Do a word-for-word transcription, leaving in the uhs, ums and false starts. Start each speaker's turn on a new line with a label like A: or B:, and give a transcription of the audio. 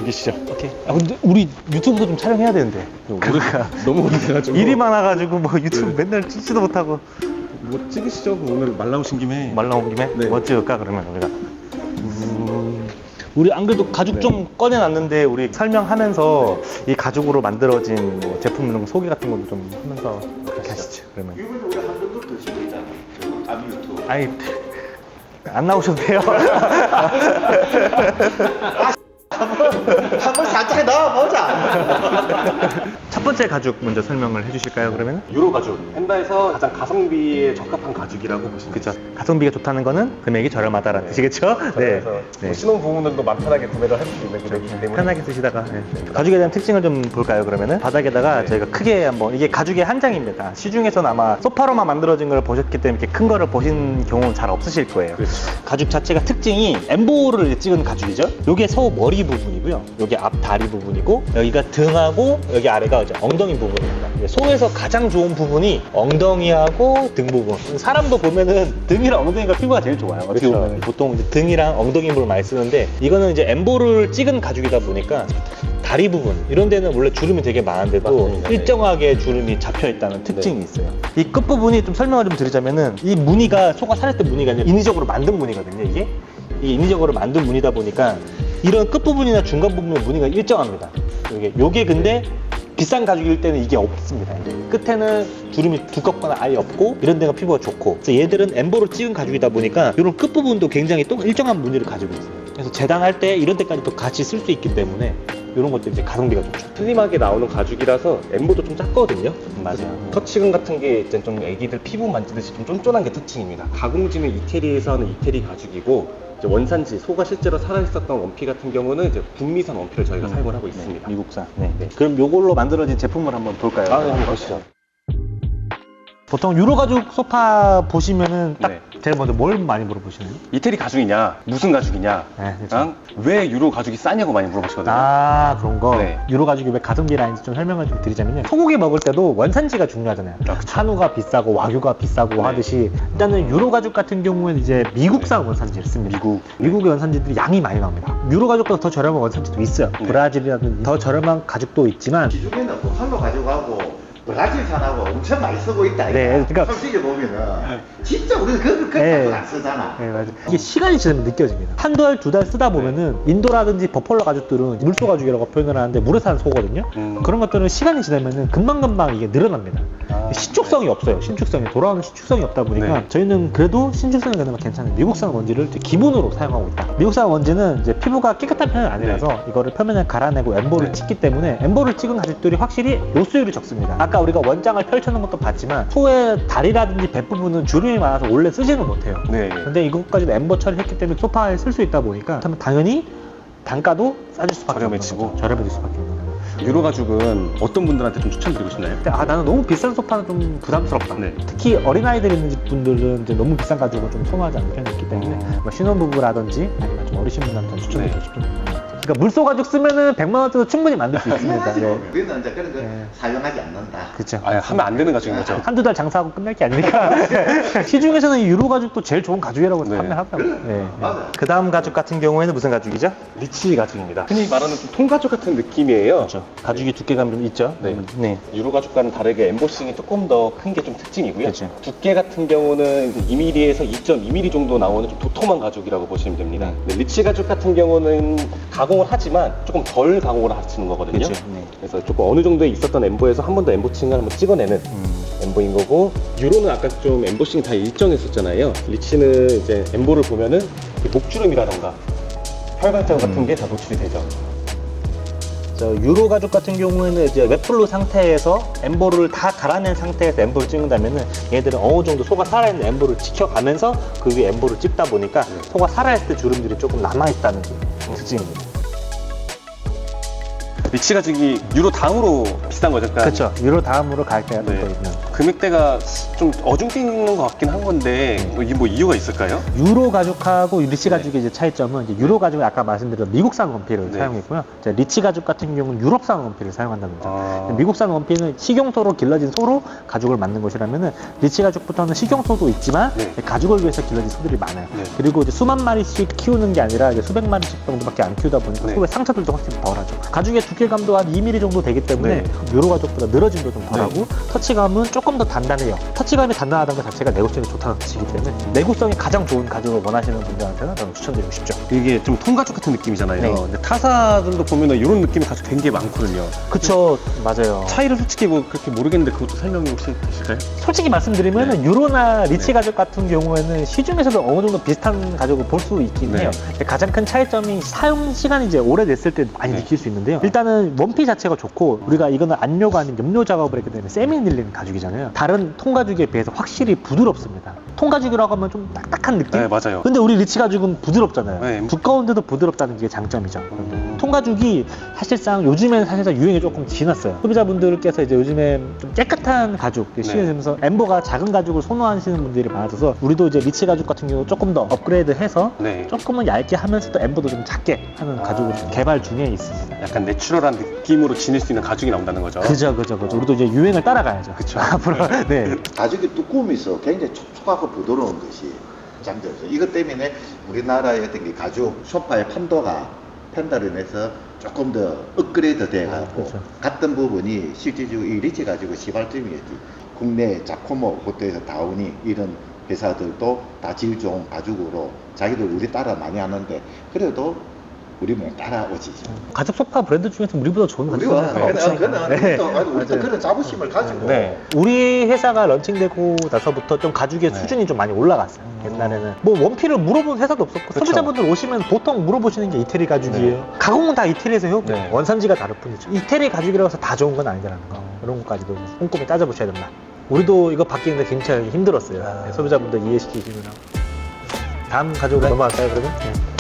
A: 죽이시죠.
B: 오케이. 아 근데 우리 유튜브도 좀 촬영해야 되는데.
A: 그러니까 너무 오래돼가지고
B: 일이 많아가지고 뭐 유튜브 맨날 찍지도 못하고.
A: 뭐 찍으시죠. 오늘 말 나오신 김에.
B: 말 나온 김에
A: 네.
B: 뭐 찍을까 그러면 우리가. 음, 우리 안 그래도 가죽
A: 네.
B: 좀 꺼내놨는데 우리 설명하면서 이 가죽으로 만들어진 뭐 제품 이런 거 소개 같은 것도 좀 하면서 그렇게 하시죠. 그러면.
C: 이번에 우리 한 번도 더 쉬고 있잖아. 저 아미 유튜브.
B: 아니 안 나오셔도 돼요.
C: 한번 살짝 넣어보자.
B: 첫 번째 가죽 먼저 설명을 해주실까요? 그러면?
A: 유로 가죽. 헨다에서 가장 가성비에 적합한 가죽이라고 보시면
B: 그렇죠. 가성비가 좋다는 거는 금액이 저렴하다라는 뜻이겠죠? 네.
A: 그래서
B: 네.
A: 신혼 부부들도 마음 편하게 구매를 할 수 있는 금액이기 때문에
B: 편하게 쓰시다가 네. 가죽에 대한 특징을 좀 볼까요? 그러면은 바닥에다가
A: 네.
B: 저희가 크게 한번 이게 가죽의 한 장입니다. 시중에서는 아마 소파로만 만들어진 걸 보셨기 때문에 이렇게 큰 거를 보신 경우는 잘 없으실 거예요.
A: 그렇죠.
B: 가죽 자체가 특징이 엠보를 찍은 가죽이죠. 요게 소 머리 부분이고요. 요게 앞 다리 부분이고 여기가 등하고 여기 아래가 이제 엉덩이 부분입니다. 소에서 가장 좋은 부분이 엉덩이하고 등 부분. 사람도 보면은 등이랑 엉덩이가 피부가 제일 좋아요. 어떻게
A: 그렇죠.
B: 보면 보통 이제 등이랑 엉덩이 부분을 많이 쓰는데 이거는 이제 엠보를 찍은 가죽이다 보니까 다리 부분 이런 데는 원래 주름이 되게 많은데도
A: 맞습니다.
B: 일정하게 주름이 잡혀 있다는 특징이 있어요. 이 끝부분이 좀 설명을 좀 드리자면은 이 무늬가 소가 살을 때 무늬가 아니라 인위적으로 만든 무늬거든요. 이게 이게 인위적으로 만든 무늬다 보니까 이런 끝부분이나 중간 부분의 무늬가 일정합니다. 요게 요게 근데 비싼 가죽일 때는 이게 없습니다. 이제 끝에는 주름이 두껍거나 아예 없고 이런 데가 피부가 좋고 그래서 얘들은 엠보로 찍은 가죽이다 보니까 이런 끝부분도 굉장히 또 일정한 무늬를 가지고 있어요. 그래서 재단할 때 이런 데까지 또 같이 쓸 수 있기 때문에 이런 것도 이제 가성비가 좋죠.
A: 슬림하게 나오는 가죽이라서 엠보도 좀 작거든요.
B: 맞아요.
A: 터치감 같은 게 이제 좀 애기들 피부 만지듯이 좀 쫀쫀한 게 특징입니다. 가공지는 이태리에서 하는 이태리 가죽이고 이제 원산지 소가 실제로 살아있었던 원피 같은 경우는 이제 북미산 원피를 저희가
B: 음.
A: 사용을 하고 있습니다.
B: 미국산. 네. 네. 그럼 요걸로 만들어진 제품을 한번 볼까요?
A: 아, 네, 한번 보시죠.
B: 보통 유로 가죽 소파 보시면은 딱
A: 네.
B: 제일 먼저 뭘 많이 물어보시나요?
A: 이태리 가죽이냐, 무슨 가죽이냐,
B: 네, 그렇죠.
A: 랑 왜 유로 가죽이 싸냐고 많이 물어보시거든요.
B: 아 그런 거
A: 네.
B: 유로 가죽이 왜 가성비라는지 좀 설명을 좀 드리자면요, 소고기 먹을 때도 원산지가 중요하잖아요.
A: 아, 그쵸.
B: 한우가 비싸고 와규가 비싸고
A: 네.
B: 하듯이 일단은 유로 가죽 같은 경우에는 이제 미국산 원산지를 씁니다.
A: 미국.
B: 미국의 원산지들이 양이 많이 나옵니다. 유로 가죽보다 더 저렴한 원산지도 있어요.
A: 네.
B: 브라질이라든지 더 저렴한 가죽도 있지만
C: 기존에는 북한로 가져가고 브라질산하고 엄청 많이 쓰고 있다.
B: 네,
C: 이거.
B: 그러니까-
C: 솔직히 보면은 진짜 우리는 그, 그,
B: 네.
C: 그, 안 쓰잖아.
B: 네, 맞아요. 이게 시간이 지나면 느껴집니다. 한 달, 두 달 쓰다 보면은 인도라든지 버펄러 가죽들은 물소 가죽이라고 표현을 하는데 물에 사는 소거든요.
A: 음.
B: 그런 것들은 시간이 지나면은 금방금방 이게 늘어납니다.
A: 아,
B: 신축성이 없어요. 신축성이. 돌아오는 신축성이 없다 보니까
A: 네.
B: 저희는 그래도 신축성이 그나마 괜찮은 미국산 원지를 이제 기본으로 사용하고 있다. 미국산 원지는 이제 피부가 깨끗한 편은 아니라서 이거를 표면을 갈아내고 엠보를
A: 네.
B: 찍기 때문에 엠보를 찍은 가죽들이 확실히 노수율이 적습니다. 아까 우리가 원장을 펼쳐놓은 것도 봤지만 소의 다리라든지 배 부분은 주름이 많아서 원래 쓰지는 못해요.
A: 네.
B: 근데 이것까지도 엠버 처리했기 때문에 소파에 쓸 수 있다 보니까 그렇다면 당연히 단가도 싸질 수밖에
A: 저렴해지고.
B: 없는 거죠. 저렴해질 수밖에 없는 거죠.
A: 유로 가죽은 어떤 분들한테 좀 추천드리고 싶나요?
B: 근데 아 나는 너무 비싼 소파는 좀 부담스럽다.
A: 네.
B: 특히 어린아이들 있는 집 분들은 이제 너무 비싼 가죽을 좀 선호하지 않는 편이 있기 때문에
A: 음.
B: 뭐 신혼부부라든지 아니면 좀 어리신 분한테 추천드리고
A: 네.
B: 싶은. 그러니까 물소 가죽 쓰면은 백만 원대도 충분히 만들 수 있습니다.
C: 당연하지
B: 네.
C: 뭐. 우리는 이제 그런 거
B: 네.
C: 사용하지 않는다.
B: 그렇죠.
A: 아, 하면 안 되는 가죽인 거죠?
B: 한두 달 장사하고 끝날 게 아니니까. 시중에서는 이 유로 가죽도 제일 좋은 가죽이라고
A: 네.
B: 판매하더라고요. 네.
C: 맞아요.
B: 그 다음 가죽 같은 경우에는 무슨 가죽이죠?
A: 리치 가죽입니다. 흔히 말하는 좀 통가죽 같은 느낌이에요.
B: 그렇죠. 가죽이 두께감이 좀 있죠.
A: 네.
B: 음, 네.
A: 유로 가죽과는 다르게 엠보싱이 조금 더 큰 게 좀 특징이고요.
B: 그쵸.
A: 두께 같은 경우는 이 밀리미터에서 이 점 이 밀리미터 정도 나오는 좀 도톰한 가죽이라고 보시면 됩니다. 네, 리치 가죽 같은 경우는 가공을 하지만 조금 덜 가공을 하시는 거거든요.
B: 그쵸. 네.
A: 그래서 조금 어느 정도에 있었던 엠보에서 한 번 더 엠보싱을 한번 찍어내는
B: 음.
A: 엠보인 거고, 유로는 아까 좀 엠보싱이 다 일정했었잖아요. 리치는 이제 엠보를 보면은 이 목주름이라던가 혈관장 같은
B: 음.
A: 게 다 노출이 되죠.
B: 저 유로 가죽 같은 경우에는 이제 웹플루 상태에서 엠보를 다 갈아낸 상태에서 엠보를 찍는다면은 얘들은 어느 정도 소가 살아있는 엠보를 지켜가면서 그 위에 엠보를 찍다 보니까 소가 살아있을 때 주름들이 조금 남아있다는 게 특징입니다.
A: 리치 가죽이 유로 다음으로 비싼 거죠? 그러니까
B: 그렇죠. 유로 다음으로 가격대가
A: 네.
B: 또 있는.
A: 금액대가 좀 어중뛰는 것 같긴 한 건데 뭐 이게 뭐 이유가 있을까요?
B: 유로 가죽하고 리치
A: 네.
B: 가죽의 이제 차이점은 이제 유로 가죽은 아까 말씀드린 미국산 원피를
A: 네.
B: 사용했고요. 이제 리치 가죽 같은 경우는 유럽산 원피를 사용한다는 거죠.
A: 아.
B: 미국산 원피는 식용소로 길러진 소로 가죽을 만든 것이라면은 리치 가죽부터는 식용소도 있지만
A: 네.
B: 가죽을 위해서 길러진 소들이 많아요.
A: 네.
B: 그리고 이제 수만 마리씩 키우는 게 아니라 이제 수백 마리씩 정도밖에 안 키우다 보니까
A: 네.
B: 소의 상처들도 확실히 덜하죠. 가죽의 두께감도 한 이 밀리미터 정도 되기 때문에
A: 네.
B: 유로 가죽보다 늘어짐도 좀 덜하고 터치감은 조금 더 단단해요. 터치감이 단단하다는 것 자체가 내구성이 좋다는 뜻이기 때문에 내구성이 가장 좋은 가죽을 원하시는 분들한테는 저는 추천드리고 싶죠.
A: 이게 좀 통가죽 같은 느낌이잖아요.
B: 네.
A: 근데 타사들도 보면은 이런 느낌의 가죽 되게 많거든요.
B: 그쵸, 맞아요.
A: 차이를 솔직히 뭐 그렇게 모르겠는데 그것도 설명이 혹시 되실까요?
B: 솔직히 말씀드리면
A: 네.
B: 유로나 리치
A: 네.
B: 가죽 같은 경우에는 시중에서도 어느 정도 비슷한 가죽을 볼 수 있긴
A: 네.
B: 해요. 근데 가장 큰 차이점이 사용 시간이 이제 오래됐을 때 많이
A: 네.
B: 느낄 수 있는데요. 일단은 원피 자체가 좋고 우리가 이거는 안료가 아닌 염료 작업을 했기 때문에 세미 밀리는 가죽이잖아요. 다른 통가죽에 비해서 확실히 부드럽습니다. 통가죽이라고 하면 좀 딱딱한 느낌?
A: 네, 맞아요.
B: 근데 우리 리치 가죽은 부드럽잖아요.
A: 네.
B: 두꺼운데도 부드럽다는 게 장점이죠.
A: 음.
B: 통가죽이 사실상 요즘엔 사실상 유행이 조금 지났어요. 소비자분들께서 이제 요즘에 좀 깨끗한 가죽
A: 네.
B: 시즌에서 엠버가 작은 가죽을 선호하시는 분들이 많아져서 우리도 이제 리치 가죽 같은 경우 조금 더 업그레이드해서
A: 네.
B: 조금은 얇게 하면서도 엠버도 좀 작게 하는 가죽을 좀 개발 중에 있습니다.
A: 약간 내추럴한 느낌으로 지닐 수 있는 가죽이 나온다는 거죠.
B: 그죠, 그죠, 그죠. 우리도 이제 유행을 따라가야죠.
A: 그쵸.
B: 앞으로 네.
C: 가죽이 두꺼움이 있어 굉장히 촉촉하고 부드러운 것이 장점이죠. 이것 때문에 우리나라의 어떤 게 가죽 소파의 판도가 판도를 인해서 조금 더 업그레이드 돼가고
B: 아, 그렇죠.
C: 같은 부분이 실질적으로 이 리치 가지고 시발점이었지. 국내 자코모 호텔에서 다우니 이런 회사들도 다 질 좋은 가죽으로 자기들 우리 따라 많이 하는데 그래도 우리 뭐 따라오지.
B: 가죽 소파 브랜드 중에서 우리보다 좋은 가죽
C: 우리가
B: 소파가 없으니까.
C: 그는
B: 네.
C: 우리도 아니, 우리도
B: 맞아요.
C: 그런 자부심을 가지고
A: 네.
B: 우리 회사가 런칭되고 나서부터 좀 가죽의
A: 네.
B: 수준이 좀 많이 올라갔어요. 옛날에는 뭐 원피를 물어본 회사도 없었고
A: 그쵸.
B: 소비자분들 오시면 보통 물어보시는 게 이태리 가죽이에요. 가공은 다 이태리에서 해요.
A: 네.
B: 원산지가 다를 뿐이죠. 이태리 가죽이라고 해서 다 좋은 건 아니라는 거. 그런 것까지도 꼼꼼히 따져보셔야 된다. 우리도 이거 바뀌는데 굉장히 힘들었어요.
A: 아.
B: 네, 소비자분들 이해시키시느라. 다음 가죽으로 넘어갈까요, 그러면? 네.